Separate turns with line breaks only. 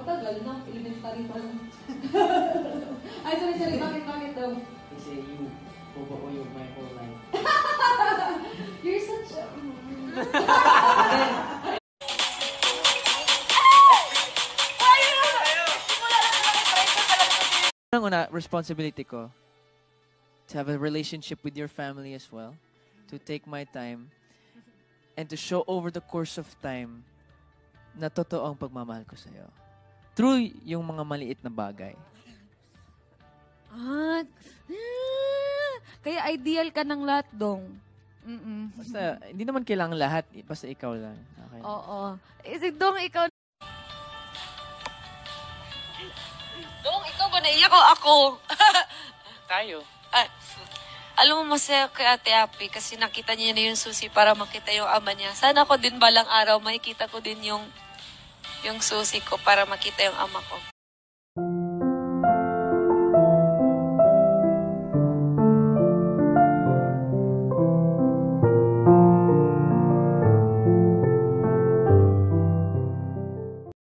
tagal na. Elementary pa lang. Ay, sorry. Bakit daw?
Kasi you my whole life.
You're such a...
Una, responsibility ko to have a relationship with your family as well, to take my time, and to show over the course of time na totoo ang pagmamahal ko sa'yo. Through yung mga maliit na bagay.
Kaya ideal ka ng lahat, Dong.
Basta, hindi naman kailangan lahat. Basta ikaw lang. Okay.
Oo. Dong, ikaw...
Dong, ikaw ba naiyak o ako?
Tayo.
Alam mo, masaya kay Ate Api kasi nakita niya na yung susi para makita yung ama niya. Sana ako din balang araw makikita ko din yung susi ko para makita yung ama ko.